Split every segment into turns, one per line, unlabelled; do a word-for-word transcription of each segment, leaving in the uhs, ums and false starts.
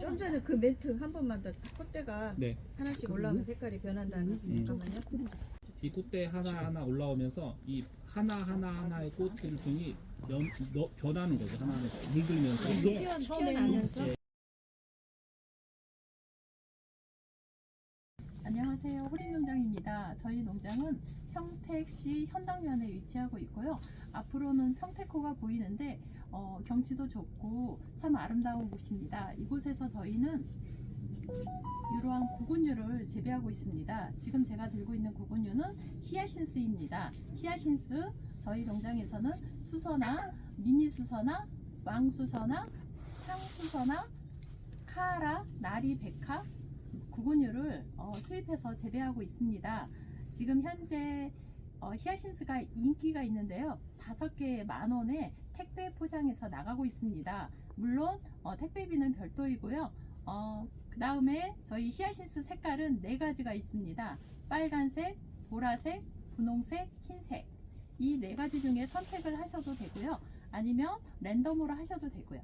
좀 전에 그 멘트 한 번만 더. 콧대가
네.
하나씩 올라오면 색깔이 변한다는.
음.
잠깐만요.
이 꽃대 하나 하나 올라오면서 이 하나 하나 하나의 꽃들 중이 연, 너, 변하는 거죠. 하나 하나 물들면서.
피어, 피어나면서.
예.
안녕하세요. 호림농장입니다. 저희 농장은 평택시 현당면에 위치하고 있고요. 앞으로는 평택호가 보이는데 어, 경치도 좋고 참 아름다운 곳입니다. 이곳에서 저희는 이러한 구근류를 재배하고 있습니다. 지금 제가 들고 있는 구근류는 히아신스입니다. 히아신스 저희 농장에서는 수서나 미니 수서나 왕수서나 향수서나 카라, 나리, 백화 구근류를 어, 수입해서 재배하고 있습니다. 지금 현재 어, 히아신스가 인기가 있는데요. 다섯 개에 만 원에 택배 포장해서 나가고 있습니다. 물론 어, 택배비는 별도이고요. 어, 그 다음에 저희 히아신스 색깔은 네 가지가 있습니다. 빨간색, 보라색, 분홍색, 흰색. 이 네 가지 중에 선택을 하셔도 되고요. 아니면 랜덤으로 하셔도 되고요.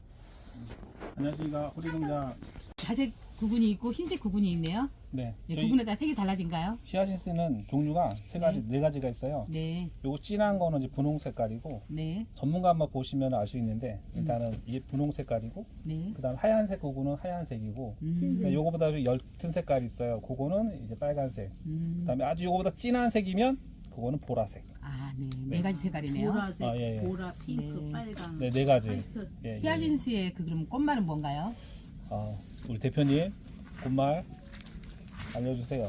안녕하십니까. 호리농장.
자색 구근이 있고 흰색 구근이 있네요.
네.
네,
저희
구근에 따라 색이 달라진가요?
히아신스는 종류가 세 가지, 네, 가지가 있어요.
네,
요거 진한 거는 이제 분홍 색깔이고,
네,
전문가 한번 보시면 알 수 있는데, 일단은 이게 분홍 색깔이고,
네.
그 다음 하얀색 그거는 하얀색이고,
음,
그러니까 요거보다 좀 옅은 색깔이 있어요. 그거는 이제 빨간색.
음.
그 다음에 아주 요거보다 진한 색이면, 그거는 보라색.
아, 네, 네 가지 색깔이네요.
보라색,
아, 예, 예.
보라, 핑크,
네.
빨강,
네, 네 가지.
화이트.
예, 예.
히아신스의 그 그럼 꽃말은 뭔가요?
아, 우리 대표님, 곧말 알려주세요.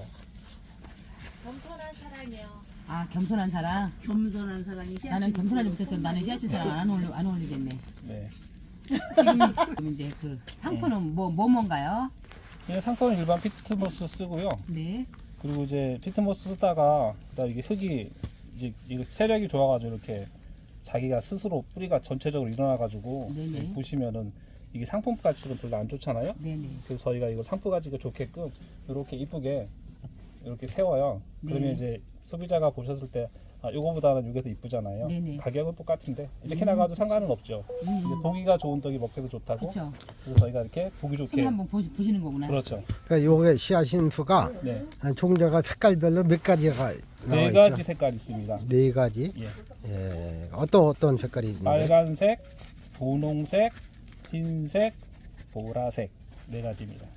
겸손한 사랑이요.
아, 겸손한 사랑.
겸손한 사랑이 히아신스.
나는 겸손하지 못해서 나는 히아신스랑 안 어울리 안 어울리겠네.
네.
지금 지금 이제 그 상품은 뭐 뭐 뭔가요?
그냥 상품은 일반 피트모스 쓰고요.
네,
그리고 이제 피트모스 쓰다가 그다음 이게 흙이 이제 이거 세력이 좋아가지고 이렇게 자기가 스스로 뿌리가 전체적으로 일어나가지고
네네.
보시면은 이게 상품 가치는 별로 안 좋잖아요.
네, 네.
그래서 저희가 이거 상품 가치가 좋게끔 이렇게 이쁘게 이렇게 세워요. 그러면
네.
이제 소비자가 보셨을 때 아, 요거보다는 이게 더 이쁘잖아요.
네네.
가격은 똑같은데 이렇게
음,
나가도 상관은 없죠.
음,
근데 보기가 좋은 떡이 먹기도 좋다고.
그렇죠.
그래서 저희가 이렇게 보기 좋게.
손 한번 보시, 보시는 거구나.
그렇죠.
그러니까 요게 히아신스가
네.
종류가 색깔별로 몇 가지가 나와
네
있죠?
가지 색깔 있습니다.
네 가지.
예.
예. 어떤 어떤 색깔이 있는데?
빨간색, 분홍색, 흰색, 보라색 네 가지입니다.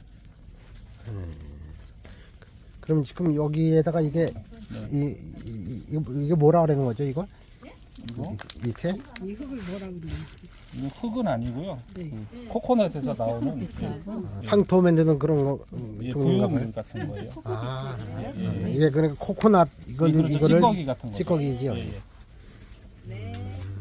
그럼 지금 여기에다가 이게 이, 이, 이, 이게 뭐라 그러는 거죠, 이거?
이거
밑에?
이 흙을 뭐라 그러냐?
이거 흙은 아니고요.
네.
그 코코넛에서 나오는
하고
황토 만드는 그런 거 음,
예,
종류인가 봐요.
부유물 같은 거예요.
아,
예, 예.
이게 그러니까 코코넛 이거는
그렇죠.
이거를
찌꺼기 같은 거.
찌꺼기지요.
예, 예.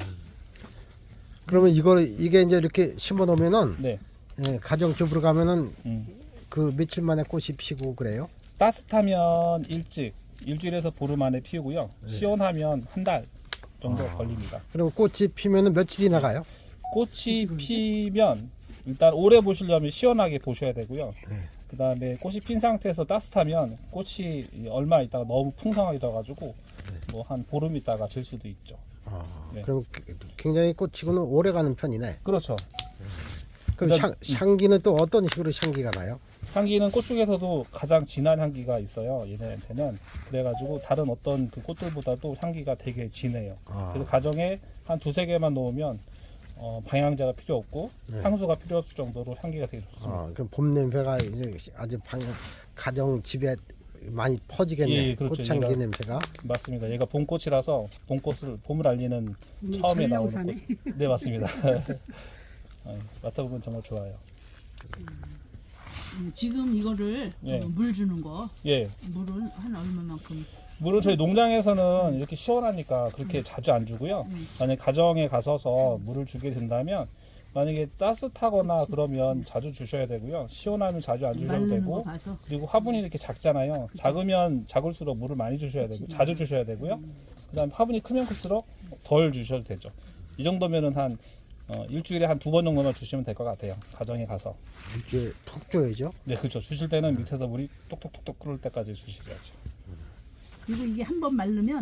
그러면 이거 이게 이제 이렇게 심어 놓으면은
네.
예, 가정집으로 가면은
음.
그 며칠 만에 꽃이 피고 그래요?
따뜻하면 일찍 일주일에서 보름 안에 피우고요. 시원하면 한 달 정도
아.
걸립니다.
그리고 꽃이 피면은 며칠이 나가요?
꽃이 피면 일단 오래 보시려면 시원하게 보셔야 되고요. 그 다음에 꽃이 핀 상태에서 따뜻하면 꽃이 얼마 있다가 너무 풍성하게 돼가지고 뭐 한 보름 있다가 질 수도 있죠.
아,
네.
그럼 굉장히 꽃치고는 오래 가는 편이네.
그렇죠.
그럼
그러니까-
향, 향기는 또 어떤 식으로 향기가 나요?
향기는 꽃 중에서도 가장 진한 향기가 있어요. 얘네한테는 그래가지고 다른 어떤 그 꽃들보다도 향기가 되게 진해요.
아,
그래서 가정에 한 두세 개만 놓으면 어, 방향제가 필요 없고
네.
향수가 필요 없을 정도로 향기가 되게 좋습니다.
아, 그럼 봄 냄새가 이제 아주 방, 가정 집에 많이 퍼지겠네.
예, 그렇죠.
꽃향기
얘가-
냄새가.
맞습니다. 얘가 봄꽃이라서 봄꽃을 봄을 알리는
음,
처음에 나오는
전령사네.
꽃. 네, 맞습니다. 어, 맡아보면 정말 좋아요.
음, 지금 이거를
예.
어, 물 주는 거
예,
물은 한 얼마만큼?
물론 저희 농장에서는 이렇게 시원하니까 그렇게 자주 안 주고요. 만약에 가정에 가서서 물을 주게 된다면 만약에 따뜻하거나 그러면 자주 주셔야 되고요. 시원하면 자주 안 주셔도
마르는
되고
거 봐서.
그리고 화분이 이렇게 작잖아요. 작으면 작을수록 물을 많이 주셔야 되고 자주 주셔야 되고요. 그다음 화분이 크면 클수록 덜 주셔도 되죠. 이 정도면은 한 어, 일주일에 한 두 번 정도만 주시면 될 것 같아요. 가정에 가서.
이렇게 푹 줘야죠.
네, 그렇죠. 주실 때는 밑에서 물이 똑똑똑똑 끓을 때까지 주시야죠.
그리고 이게 한 번 말르면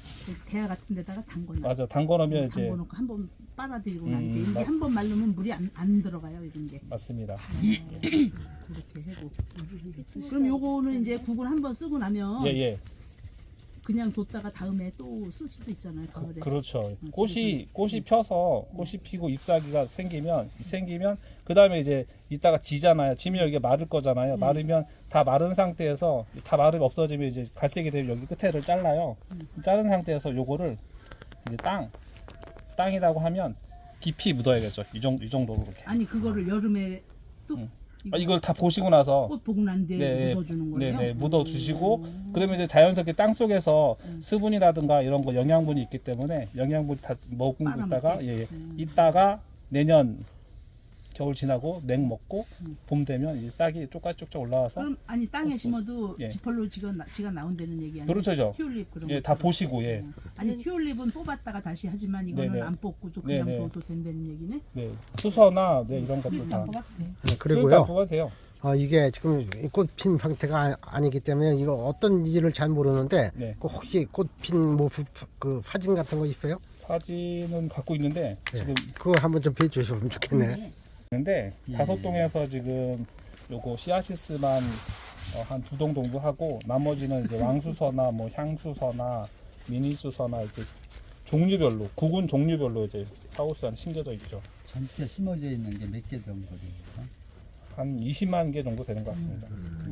그 대야 같은 데다가 담궈 놔.
맞아. 담궈놓으면 이제
담궈 놓고 한번 빨아들이고
음,
나는데 이게
맞-
한 번 말르면 물이 안, 안 들어가요 이런 게.
맞습니다.
그렇게 하고. 그럼 요거는 이제 국을 한 번 쓰고 나면
예, 예.
그냥 뒀다가 다음에 또 쓸 수도 있잖아요 가을에.
그렇죠.
음,
꽃이 꽃이 펴서 꽃이 피고 잎사귀가 생기면 생기면 그 다음에 이제 이따가 지잖아요. 지면 여기가 마를 거잖아요. 마르면 다 마른 상태에서 다 마르면 없어지면 이제 갈색이 되면 여기 끝에를 잘라요. 자른 상태에서 요거를 이제 땅 땅이라고 하면 깊이 묻어야겠죠. 이 정도 이 정도로 이렇게.
아니 그거를 여름에 또
음.
이거
아, 이걸 다 보시고 나서
꽃 보고 난 뒤에
네,
묻어주는 거예요?
네네 묻어 주시고 그러면 이제 자연스럽게 땅 속에서
음.
수분이라든가 이런 거 영양분이 있기 때문에 영양분 다 머금고
빨아먹게?
있다가 예, 예.
음.
있다가 내년 겨울 지나고 냉 먹고
음.
봄 되면 이제 싹이 쪽까쪽쪽 올라와서
그럼 아니 땅에
어,
심어도
예.
지펄로 지가, 나, 지가 나온다는 얘기 아니에요?
그렇죠.
튤립 그런
예,
거.
다 보시고 예.
아니 튤립은 뽑았다가 다시 하지만 이거는
네네.
안 뽑고도 그냥
네네.
둬도 된다는 얘기네?
네. 수서나 네, 이런 것도 다
네,
그러니까
그리고요.
뽑아도 돼요.
아, 이게 지금 꽃 핀 상태가 아- 아니기 때문에 이거 어떤 일을 잘 모르는데
네.
그 혹시 꽃 핀 뭐 그 사진 같은 거 있어요?
사진은 갖고 있는데
네.
지금
그거 한번 좀 비춰주시면 좋겠네.
있는데
예.
다섯 동에서 지금 요거 씨아시스만 어, 한 두 동 정도 하고 나머지는 이제 왕수서나 뭐 향수서나 미니수서나 이렇게 종류별로 구군 종류별로 이제 하우스 안에 심겨져 있죠.
전체 심어져 있는 게 몇 개 정도 됩니까?
한 이십만 개 정도 되는 것 같습니다.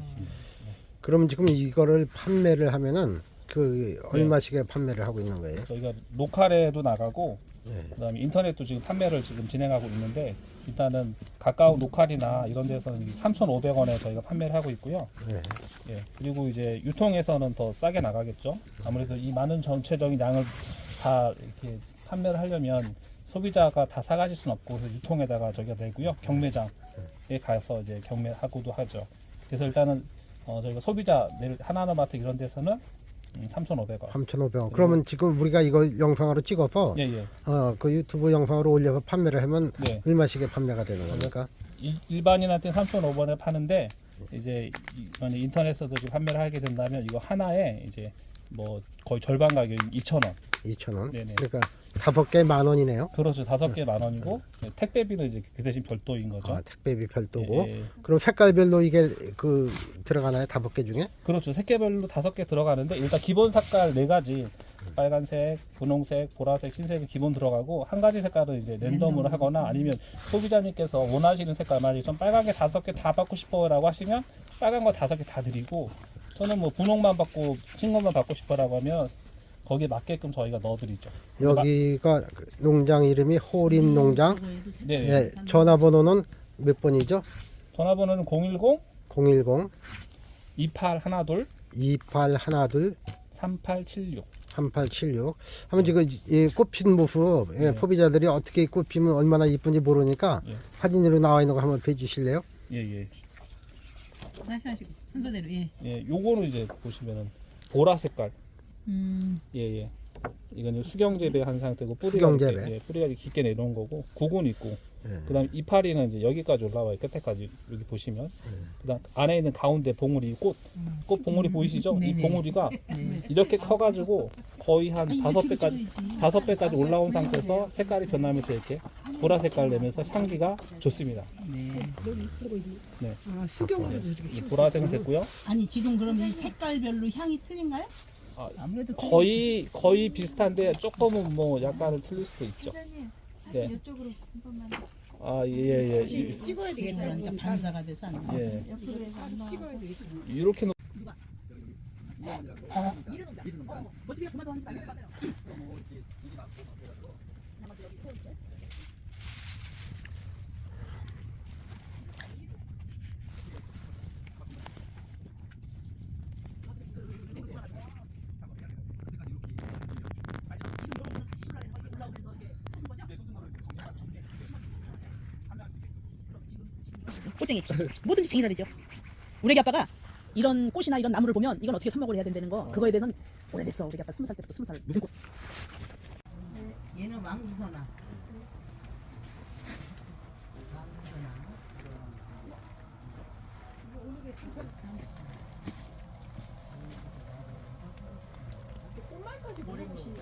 그럼 지금 이거를 판매를 하면은 그 얼마씩에 판매를 하고 있는 거예요?
저희가 로컬에도 나가고
네.
그다음에 인터넷도 지금 판매를 지금 진행하고 있는데 일단은 가까운 로컬이나 이런 데서는 삼천오백 원에 저희가 판매를 하고 있고요.
네.
예. 그리고 이제 유통에서는 더 싸게 나가겠죠. 아무래도 이 많은 전체적인 양을 다 이렇게 판매를 하려면 소비자가 다 사가실 수는 없고 그래서 유통에다가 저희가 내고요. 경매장에 가서 이제 경매하고도 하죠. 그래서 일단은 어 저희가 소비자 내일 하나하나마트 이런 데서는 음, 삼천오백 원.
삼천오백 원. 그러면 지금 우리가 이거 영상으로 찍어서
예, 예.
어, 그 유튜브 영상으로 올려서 판매를 하면
네.
얼마씩에 판매가 되는 겁니까?
일, 일반인한테 삼천오백 원에 파는데 이제 이- 만약 인터넷에서 지금 판매를 하게 된다면 이거 하나에 이제 뭐 거의 절반 가격인 이천 원.
이천 원.
네네.
그러니까 다섯 개 만 원이네요.
그렇죠. 다섯 개 만 원이고 네, 택배비는 이제 그 대신 별도인 거죠.
아, 택배비 별도고.
예, 예.
그럼 색깔별로 이게 그 들어가나요? 다섯 개 중에?
그렇죠. 색깔별로 다섯 개 들어가는데 일단 기본 색깔 네 가지 빨간색, 분홍색, 보라색, 흰색이 기본 들어가고 한 가지 색깔은 이제 랜덤으로 하거나 아니면 소비자님께서 원하시는 색깔만 좀 빨간 게 다섯 개 다 받고 싶어라고 하시면 빨간 거 다섯 개 다 드리고 저는 뭐 분홍만 받고 흰 것만 받고 싶어라고 하면 거기에 맞게끔 저희가 넣어드리죠.
여기가 그 농장 이름이 호림 농장.
네.
예, 전화번호는 몇 번이죠?
전화번호는 공일공
공일공
이팔일이
이팔일이
삼팔칠육.
삼팔칠육. 한번 지금 이 꽃핀 모습 예,
네.
소비자들이 어떻게 꽃 피면 얼마나 이쁜지 모르니까
예.
사진으로 나와 있는 거 한번 봐주실래요?
예, 예.
하나씩 하나씩 순서대로 예.
예, 요거는 이제 보시면은 보라 색깔.
음.
예, 예. 이건 이제 수경 재배한 상태고 뿌리가
수경
이렇게,
재배.
예, 뿌리가 이렇게 깊게 내려온 거고 구근 있고
예.
그다음 이파리는 이제 여기까지 올라와요. 끝에까지 여기 보시면.
예.
그다음 안에 있는 가운데 봉우리 꽃, 꽃 봉우리 보이시죠? 이
네네.
봉우리가
네.
이렇게 커가지고 거의 한 다섯 배까지 다섯 배까지 올라온 상태에서 색깔이 변하면서 이렇게 보라 색깔 내면서 향기가 좋습니다.
네.
아, 수경으로
이 보라색은 됐고요.
아니 지금 그럼 이 색깔별로 향이 틀린가요?
아무래도
거의 거의 비슷한데 조금은 뭐 약간은 틀릴 수도 있죠.
기자님 사진
네.
이쪽으로 한 번만
아, 예, 예, 예.
찍어야 되겠네. 그러니까 반사가 돼서 안 돼.
예.
옆으로 해서 안 나와서
이렇게 놓...
꽃쟁이 뭐든지 쟁이라리죠. 우리 애기 아빠가 이런 꽃이나 이런 나무를 보면 이건 어떻게 삽목을 해야 된다는 거 그거에 대해서는 오래됐어. 우리 애기 아빠 스무 살 때부터 스무 살 무슨 꽃
얘는 왕수선아.
모래꽃이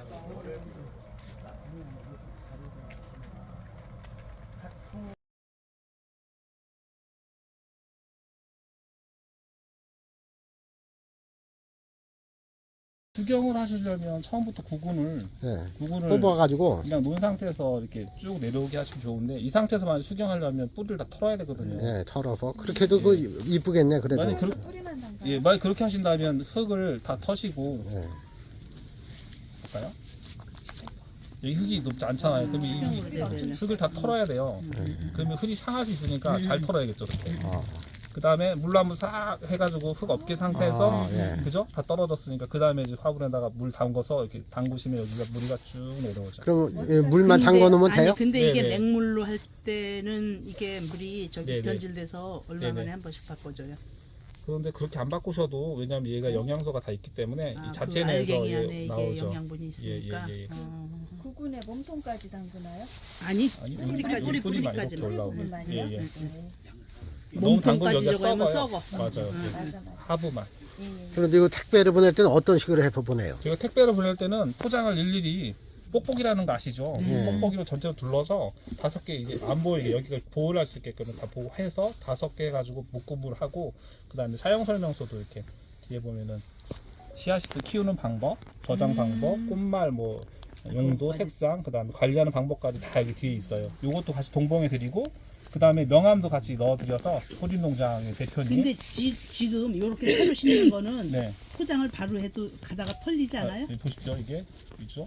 수경을 하시려면 처음부터 구근을
네.
구근을
뽑아가지고
그냥 놓은 상태에서 이렇게 쭉 내려오게 하시면 좋은데 이 상태에서 만약 수경하려면 뿌리를 다 털어야 되거든요.
네, 털어서 그렇게 해도 그 이쁘겠네 그래도.
만약
그래서
그렇-
뿌리만 담가.
예, 만약 그렇게 하신다면 흙을 다 터시고
네.
볼까요? 여기 흙이 높지 않잖아요. 그럼 이
뿌리가 엄청
흙을 다 털어야 돼요. 그러면 흙이 상할 수 있으니까 잘 털어야겠죠. 이렇게.
아,
그 다음에 물로 한번 싹 해가지고 흙 없게 상태에서
아, 예.
그죠? 다 떨어졌으니까 그 다음에 이제 화분에다가 물 담궈서 이렇게 담그시면 여기가 물이가 쭉 내려오죠.
그럼 예, 물만 잠궈 놓으면 돼요?
아니 근데 이게
네네.
맹물로 할 때는 이게 물이 저기
네네.
변질돼서 얼마
네네.
만에 한 번씩 바꿔줘요.
그런데 그렇게 안 바꾸셔도 왜냐면 얘가 영양소가 다 있기 때문에
아,
이
그
자체 내에서
알갱이 안에
예,
이게
나오죠.
영양분이 있으니까.
예, 예, 예.
어.
구근에 몸통까지 담그나요?
아니
아니
뿌리까지,
뿌리 뿌리만
뿌리까지.
이렇게 올라오고.
부분만이요?
예, 예.
네.
너무 담그면
몸통까지
여기가
저거 하면
썩어요.
썩어.
맞아요.
음.
예.
맞아 맞아.
하부만.
예, 예.
그런데 이거 택배를 보낼 때는 어떤 식으로 해서 보내요?
제가 택배를 보낼 때는 포장을 일일이 뽁뽁이라는 거 아시죠?
네.
뽁뽁이로 전체로 둘러서 다섯 개 이게 안 보이게 여기가 보호를 할 수 있게끔 다 보호해서 다섯 개 가지고 묶음을 하고 그 다음에 사용 설명서도 이렇게 뒤에 보면은 씨앗을 키우는 방법, 저장 방법, 꽃말 뭐 용도, 색상, 그 다음에 관리하는 방법까지 다 여기 뒤에 있어요. 요것도 같이 동봉해 드리고 그 다음에 명함도 같이 넣어드려서 호림농장의 대표님.
근데 지, 지금 이렇게 새로 심는 거는
네.
포장을 바로 해도 가다가 털리지 않아요?
아, 여기 보십시오. 이게 있죠?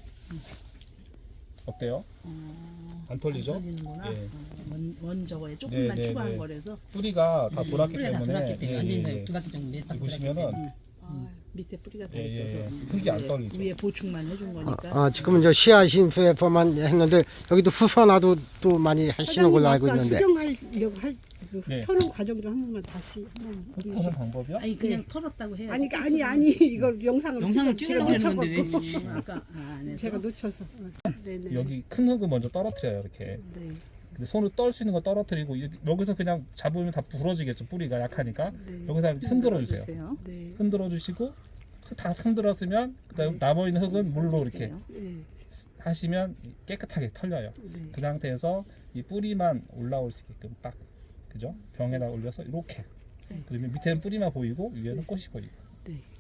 어때요? 안 털리죠?
안 털리는구나.
예.
원, 원 저거에 조금만
네, 네,
추가한
네.
거라서
뿌리가 다 돌았기
뿌리가 다
때문에
돌았기 때문에
예,
완전히
예, 예.
두 바퀴 정도 몇 바퀴
여기 보시면은
아,
밑에 뿌리가 다
예, 예,
있어서
예.
음,
흙이 안
위에-
떨리죠.
위에 보충만 해준 거니까.
아, 지금은 저 씨앗인 페퍼만 했는데 여기도 후선화도 또 많이 하시는 걸로 알고 있는데.
수정하려고 할 그
네.
터는 과정을 한 번만 다시 한번
흙 터는 방법이요?
아니 그냥 털었다고 해요.
아니 아니 아니 이걸 영상을
영상을
찍어-
찍으려고
제가
했는데
놓쳐갖고
음, 아까 아, 안 해서.
제가 놓쳐서 어. 네네
여기 큰 흙을 먼저 떨어뜨려요. 이렇게.
네.
근데 손으로 떨 수 있는 거 떨어뜨리고 이- 여기서 그냥 잡으면 다 부러지겠죠. 뿌리가 약하니까.
네.
여기서 흔들어 주세요.
주세요.
네.
흔들어 주시고 다 흔들었으면 그다음 남아 있는 흙은 물로 이렇게
네.
하시면 깨끗하게 털려요.
네.
그 상태에서 이 뿌리만 올라올 수 있게끔 딱 그죠? 병에다 올려서 이렇게. 그러면 밑에는 뿌리만 보이고 위에는 꽃이 보이고.
네.